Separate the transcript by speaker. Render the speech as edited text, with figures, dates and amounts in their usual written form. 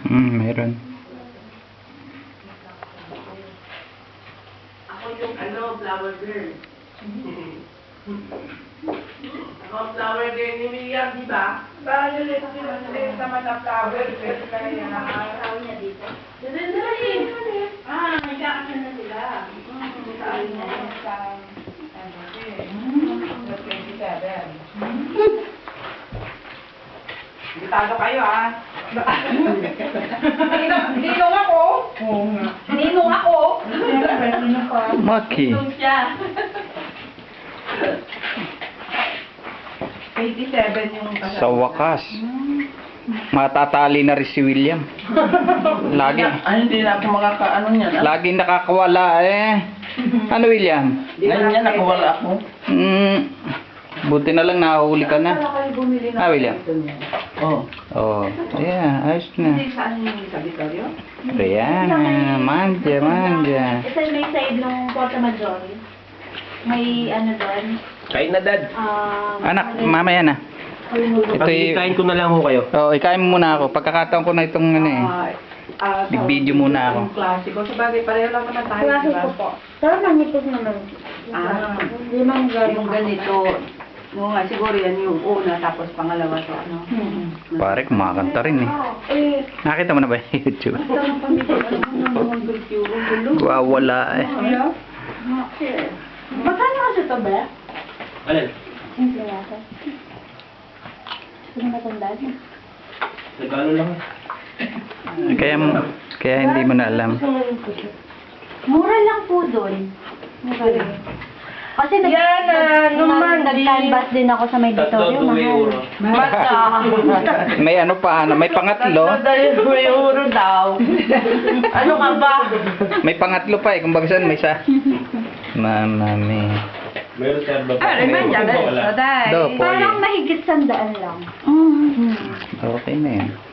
Speaker 1: Meron.
Speaker 2: Ako yung flower girl. Ako flower girl ni Miriam, di ba? Bakit ulit naman na flower girl kaya nakakatawa niya dito? Dali. May kakasal na sila. Saan na yun? Sa 27. Bitado kayo Ninong ako. Ninong ako.
Speaker 1: Maki.
Speaker 2: Ninong siya. 87 yung kasal.
Speaker 1: Sa wakas. Matatali na rin si William. Lagi.
Speaker 3: Hindi na ako makakaano niyan.
Speaker 1: Lagi nakakawala eh. Ano William?
Speaker 3: Ngayon yan, nakawala ako.
Speaker 1: Buti na lang nahuli ka na. William?
Speaker 3: Oo.
Speaker 1: Oh, yeah, ayos na.
Speaker 2: Saan yung sa Vittorio?
Speaker 1: Rihanna, manja.
Speaker 4: Ito may side ng Porta Maggiore. May ano doon.
Speaker 5: Kain na, Dad.
Speaker 1: Anak, mamaya na. Ito
Speaker 5: Kain ko na lang ho kayo.
Speaker 1: ikain mo muna ako. Pagkakataon ko na itong Nag-video muna ako.
Speaker 2: Klasiko. Sa bagay, pareho lang naman tayo,
Speaker 4: Klase
Speaker 2: diba?
Speaker 4: ko po. Pero manipis naman. Hindi man
Speaker 2: Yung ganito, no nga, siguro yan yung una, tapos pangalawa to, ano?
Speaker 1: Pare, kumakanta rin eh. Nakita mo na ba yung YouTube? Wala eh.
Speaker 4: Magkano kasi ito ba?
Speaker 5: Alin?
Speaker 4: Simple yata. Sino matandaan?
Speaker 5: Nagkano lang eh.
Speaker 1: Kaya hindi mo na alam.
Speaker 4: Mura lang po doon. Mura lang. Kasi nag-canvas din ako sa may Vittorio, mahal.
Speaker 1: May ano pa, may pangatlo.
Speaker 2: euro daw. Ano ka ba?
Speaker 1: May pangatlo pa eh, kung baga saan may isa. Mama me.
Speaker 5: Meron serba pa.
Speaker 2: Naman yan,
Speaker 5: Wala.
Speaker 1: Do, po
Speaker 4: Parang mahigit 100 lang.
Speaker 1: Okay na yun.